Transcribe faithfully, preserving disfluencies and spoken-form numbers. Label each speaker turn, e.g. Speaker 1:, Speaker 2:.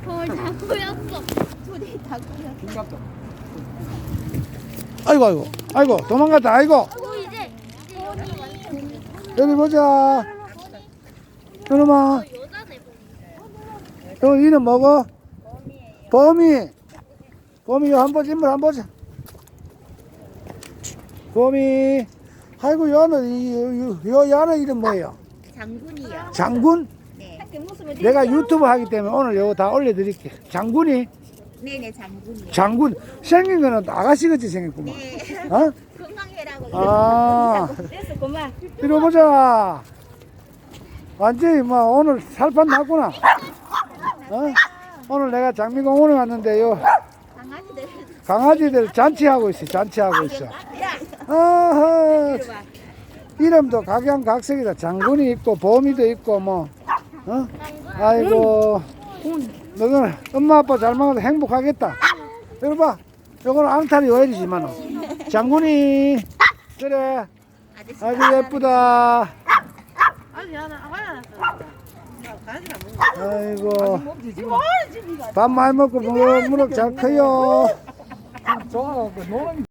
Speaker 1: 거울 다 보였어. 둘이 다 보였어.
Speaker 2: 중갑도.
Speaker 3: 아이고 아이고 아이고 도망갔다. 아이고
Speaker 1: 오 이제
Speaker 3: 여기 보자. 이놈아
Speaker 1: 여자네 보니.
Speaker 3: 너 이름 뭐고? 범이. 범이 요 한번 인물 한번 보자. 범이. 아이고 여는 이 요 야는 이름 뭐예요?
Speaker 1: 장군이요.
Speaker 3: 장군?
Speaker 1: 네.
Speaker 3: 내가 유튜브 하기 때문에 오늘 요거 다 올려드릴게. 장군이?
Speaker 1: 네네 장군이요.
Speaker 3: 장군. 생긴 거는 아가씨같이 생겼구만.
Speaker 1: 네.
Speaker 3: 어?
Speaker 1: 건강해라고.
Speaker 3: 아,
Speaker 1: 그래서 그만.
Speaker 3: 이리 보자. 완전히 뭐 오늘 살판 났구나. 어? 오늘 내가 장미공원에 왔는데 요
Speaker 1: 강아지들.
Speaker 3: 강아지들 잔치하고 있어. 잔치하고 있어. 아하. 이름도 각양각색이다. 장군이 있고 범이도 있고 뭐. 어? 아이고. 너는 엄마 아빠 잘 먹어서 행복하겠다. 이리 봐. 요거는 앙탈이 오일이지만 장군이. 그래. 아주 예쁘다. 아이고. 밥 많이 먹고 무럭무럭 잘 커요.
Speaker 2: 좋아갖고 노는